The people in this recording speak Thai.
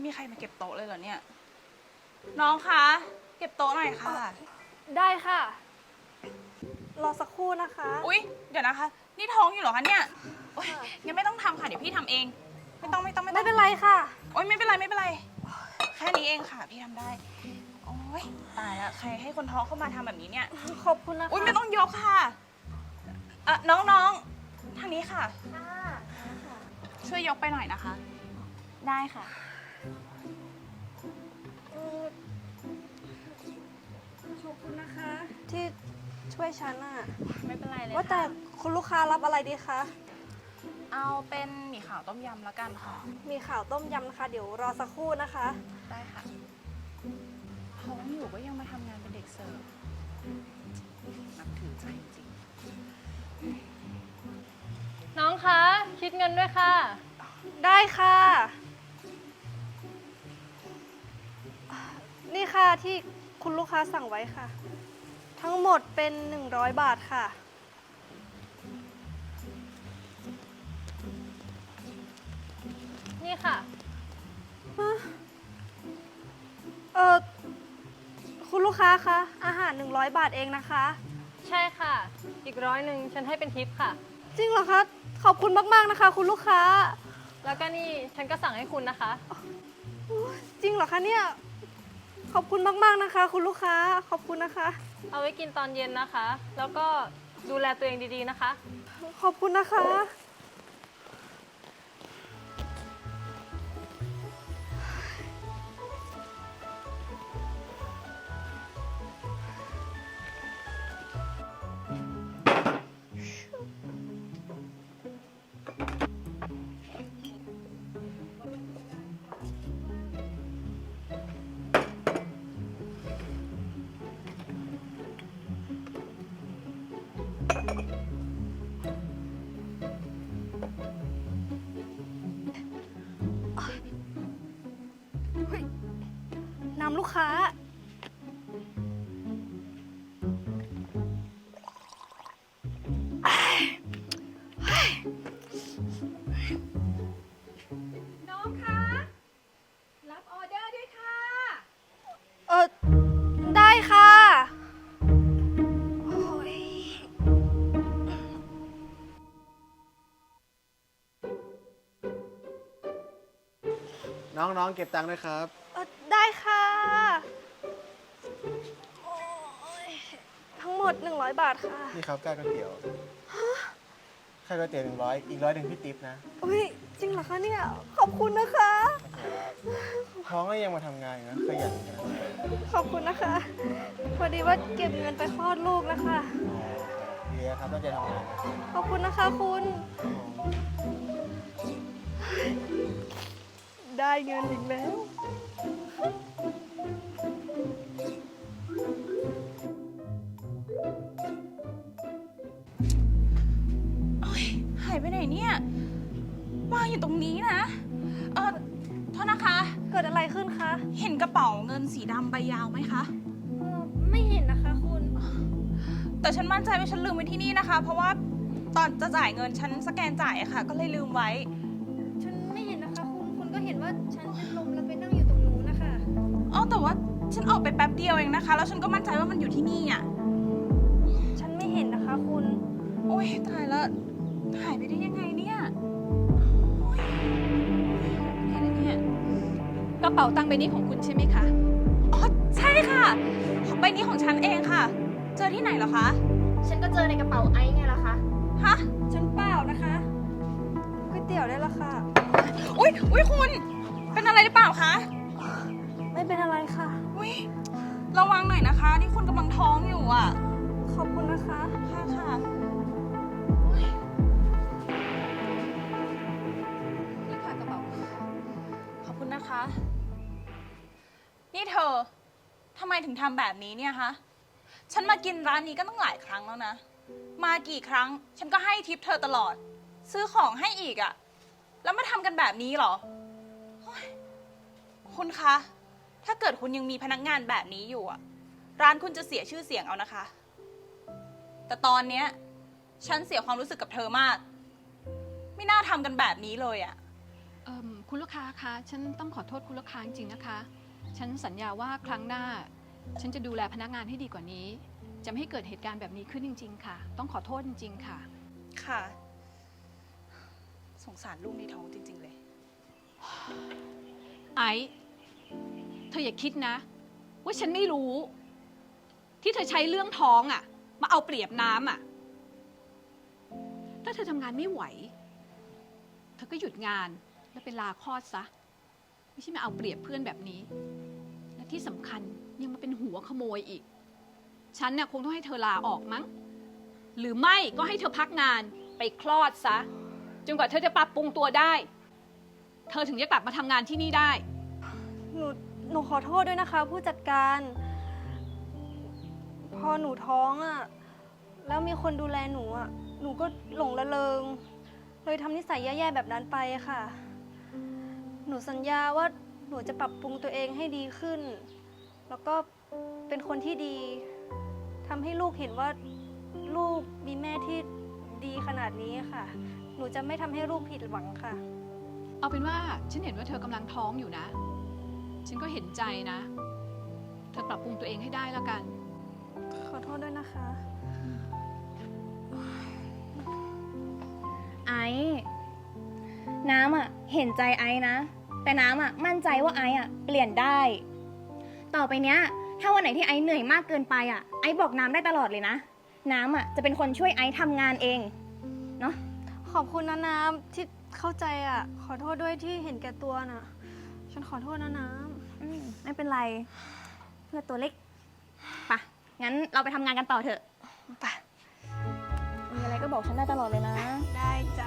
มีใครมาเก็บโต๊ะเลยเหรอเนี่ยน้องคะเก็บโต๊ะหน่อยค่ะได้ค่ะรอสักครู่นะคะอุ๊ยเดี๋ยวนะคะนี่ท้องอยู่เหรอคะเนี่ยโอ๊ยงั้นไม่ต้องทำค่ะเดี๋ยวพี่ทำเองไม่ต้องไม่เป็นไรค่ะโอ๊ยไม่เป็นไรแค่นี้เองค่ะพี่ทำได้โอ๊ยตายแล้วใครให้คนท้องเข้ามาทำแบบนี้เนี่ยขอบคุณนะคะอุ๊ยไม่ต้องยกค่ะน้องทางนี้ค่ะช่วยยกไปหน่อยนะคะได้ค่ะขอบคุณนะคะ ที่ช่วยฉันอะไม่เป็นไรเลยว่าแต่คุณลูกค้ารับอะไรดีคะเอาเป็นหมี่ขาวต้มยำแล้วกันค่ะมีข่าวต้มยำนะคะ เดี๋ยวรอสักครู่นะคะได้ค่ะท้องอยู่ก็ยังมาทำงานเป็นเด็กเสิร์ฟนับถือใจจริงน้องคะ คิดเงินด้วยค่ะได้ค่ะ นี่ค่ะที่คุณลูกค้าสั่งไว้ค่ะ ทั้งหมดเป็น100 บาทค่ะนี่ค่ะคุณลูกค้าคะอาหาร100 บาทเองนะคะใช่ค่ะ อีก100ฉันให้เป็นทิปค่ะจริงเหรอคะ ขอบคุณมากๆนะคะ คุณลูกค้าแล้วก็นี่ฉันก็สั่งให้คุณนะคะจริงเหรอคะเนี่ย ขอบคุณมากๆนะคะ คุณลูกค้า ขอบคุณนะคะเอาไว้กินตอนเย็นนะคะ แล้วก็ดูแลตัวเองดีๆนะคะขอบคุณนะคะ น้ำลูกค้าน้องคะ รับออเดอร์ด้วยค่ะได้ค่ะโอ้ยน้องๆเก็บตังค์ด้วยครับได้ค่ะโอ้ยทั้งหมด100 บาทค่ะนี่ครับค่าก๋วยเตี๋ยวค่าก๋วยเตี๋ยว100อีก100พี่ติ๊บนะอุ้ยจริงเหรอคะเนี่ย ขอบคุณนะคะท้องก็ยังมาทำงานอยู่นะขยันนะขอบคุณนะคะ พอดีว่าเก็บเงินไปคลอดลูกนะคะดีครับตั้งใจทำงานนะขอบคุณนะคะคุณ ได้เงินอีกแล้วหายไปไหนเนี่ยวางอยู่ตรงนี้นะโทษนะคะเกิดอะไรขึ้นคะเห็นกระเป๋าเงินสีดำใบยาวไหมคะไม่เห็นนะคะคุณแต่ฉันมั่นใจว่าฉันลืมไว้ที่นี่นะคะ เพราะว่าตอนจะจ่ายเงินฉันสแกนจ่ายอะค่ะ ก็เลยลืมไว้ฉันไม่เห็นนะคะคุณ คุณก็เห็นว่าฉันเป็นลมแล้วไปนั่งอยู่ตรงนู้นนะคะแต่ว่าฉันออกไปแป๊บเดียวเองนะคะ แล้วฉันก็มั่นใจว่ามันอยู่ที่นี่อ่ะฉันไม่เห็นนะคะคุณโอ๊ยตายแล้วหายไปได้ยังไงเนี่ยโอ๊ยหายไปได้เนี่ยกระเป๋าตังค์ใบนี้ของคุณใช่ไหมคะอ๋อใช่ค่ะใบนี้ของฉันเองค่ะ เจอที่ไหนเหรอคะฉันก็เจอในกระเป๋าไอซ์ไงล่ะคะฮะฉันเปล่านะคะก๋วยเตี๋ยวได้ละค่ะอุ๊ยคุณเป็นอะไรหรือเปล่าคะไม่เป็นอะไรค่ะอุ๊ยระวังหน่อยนะคะนี่คุณกำลังท้องอยู่อ่ะขอบคุณนะคะค่ะนี่ค่ะกระเป๋าคุณค่ะขอบคุณนะคะ นี่เธอทำไมถึงทำแบบนี้เนี่ยคะฉันมากินร้านนี้ก็ตั้งหลายครั้งแล้วนะ มากี่ครั้ง ฉันก็ให้ทิปเธอตลอด ซื้อของให้อีกอะแล้วมาทำกันแบบนี้เหรอโอ๊ยคุณคะ ถ้าเกิดคุณยังมีพนักงานแบบนี้อยู่อะร้านคุณจะเสียชื่อเสียงเอานะคะ แต่ตอนเนี้ยฉันเสียความรู้สึกกับเธอมาก ไม่น่าทำกันแบบนี้เลยอะคุณลูกค้าคะฉันต้องขอโทษคุณลูกค้าจริงๆนะคะ ฉันสัญญาว่าครั้งหน้า ฉันจะดูแลพนักงานให้ดีกว่านี้ จะไม่ให้เกิดเหตุการณ์แบบนี้ขึ้นจริง ๆ ค่ะ ต้องขอโทษจริง ๆ ค่ะค่ะ สงสารลูกในท้องจริง ๆ เลยไอซ์เธออย่าคิดนะ ว่าฉันไม่รู้ ที่เธอใช้เรื่องท้องอะมาเอาเปรียบน้ำอะถ้าเธอทำงานไม่ไหว เธอก็หยุดงานแล้วไปลาคลอดซะ ไม่ใช่มาเอาเปรียบเพื่อนแบบนี้ และที่สำคัญยังมาเป็นหัวขโมยอีก ฉันน่ะคงต้องให้เธอลาออกมั้ง หรือไม่ก็ให้เธอพักงานไปคลอดซะ จนกว่าเธอจะปรับปรุงตัวได้ เธอถึงจะกลับมาทำงานที่นี่ได้หนูขอโทษด้วยนะคะ ผู้จัดการ พอหนูท้องอะแล้วมีคนดูแลหนูอะหนูก็หลงระเริง เลยทำนิสัยแย่ๆแบบนั้นไปค่ะ หนูสัญญาว่าหนูจะปรับปรุงตัวเองให้ดีขึ้น แล้วก็เป็นคนที่ดีทำให้ลูกเห็นว่าลูกมีแม่ที่ดีขนาดนี้ค่ะ หนูจะไม่ทำให้ลูกผิดหวังค่ะเอาเป็นว่าฉันเห็นว่าเธอกำลังท้องอยู่นะ ฉันก็เห็นใจนะ เธอปรับปรุงตัวเองให้ได้แล้วกันขอโทษด้วยนะคะไอซ์น้ำอ่ะเห็นใจไอซ์นะ แต่น้ำอ่ะมั่นใจว่าไอซ์อ่ะเปลี่ยนได้ ต่อไปเนี้ยถ้าวันไหนที่ไอซ์เหนื่อยมากเกินไปอ่ะไอซ์บอกน้ำได้ตลอดเลยนะ น้ำอ่ะจะเป็นคนช่วยไอซ์ทำงานเองเนาะขอบคุณนะน้ำที่เข้าใจอ่ะ ขอโทษด้วยที่เห็นแก่ตัวน่ะ ฉันขอโทษนะน้ไม่เป็นไรเพื่อตัวเล็กปะงั้นเราไปทำงานกันต่อเถอะำไปมีอะไรก็บอกฉันได้ตลอดเลยนะได้จ้ะ